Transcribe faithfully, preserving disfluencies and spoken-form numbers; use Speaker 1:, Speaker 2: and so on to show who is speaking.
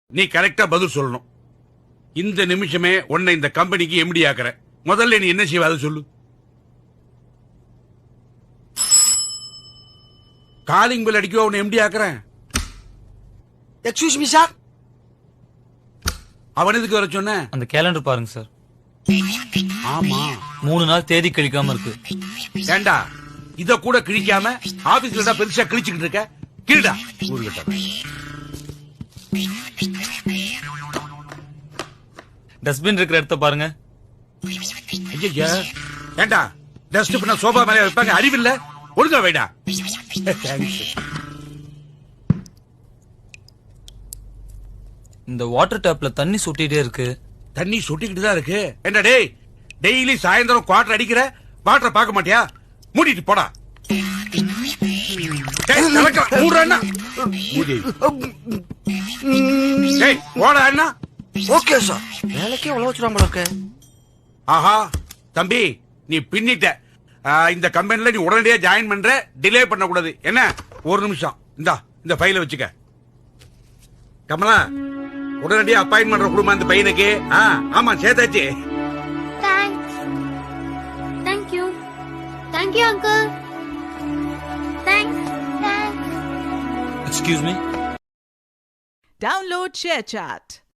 Speaker 1: நீ கரெக்டா பதில் சொல்லணும். இந்த நிமிஷமே உன்னை இந்த கம்பெனிக்கு எம்டி ஆக்குற. முதல்ல நீ என்ன செய்வ அதை சொல்லு. காலிங் பெல் அடிக்க உன்னை எம்டி ஆக்குறேன்.
Speaker 2: Excuse me sir.
Speaker 1: அவன் எதுக்கு வர சொன்ன?
Speaker 3: அந்த கேலண்டர் பாருங்க சார்.
Speaker 1: ஆமா,
Speaker 3: மூணு நாள் தேதி கழிக்காம இருக்கு.
Speaker 1: ஏண்டா இத கூட கிழிக்காம ஆபீஸ்ல பெருசா கிழிச்சுக்கிட்டு இருக்க? கீழடா ஊருகிட்ட.
Speaker 3: டஸ்ட்பின் இருக்கிற இடத்த பாருங்க.
Speaker 1: ஐயா, ஏண்டா டஸ்ட்பின் சோபா மேல வைப்பாங்க, அறிவில்ல? ஒழுங்கா வைடா.
Speaker 3: இந்த வாட்டர் டேப்ல தண்ணி சொட்டிட்டே இருக்கு.
Speaker 1: தண்ணி சொட்டிக்கிட்டு தான் இருக்கு. என்ன டேய், டெய்லி சாயந்தரம் குவார்டர் அடிக்கிற, வாட்டரை பார்க்க மாட்டியா? மூடிட்டு போடா.
Speaker 2: Okay sir. வேலைக்கே உழவு வச்சுருவாங்க இருக்கு.
Speaker 1: ஆஹா தம்பி, நீ பின்னிட்ட. இந்த கம்பெனில நீ உடனடியா ஜாயின் பண்ற, டிலே பண்ண கூடாது. என்ன, ஒரு நிமிஷம் இந்தா இந்த ஃபைல வச்சுக்க. கமலா, உடனடியா அப்பாயின்மெண்ட் கொடுமா அந்த பையனுக்கு. ஆமா சேதாச்சு.
Speaker 4: Thanks. Thank you. Thank you, uncle. Thanks. Thanks.
Speaker 3: Excuse me.
Speaker 5: Download ShareChat.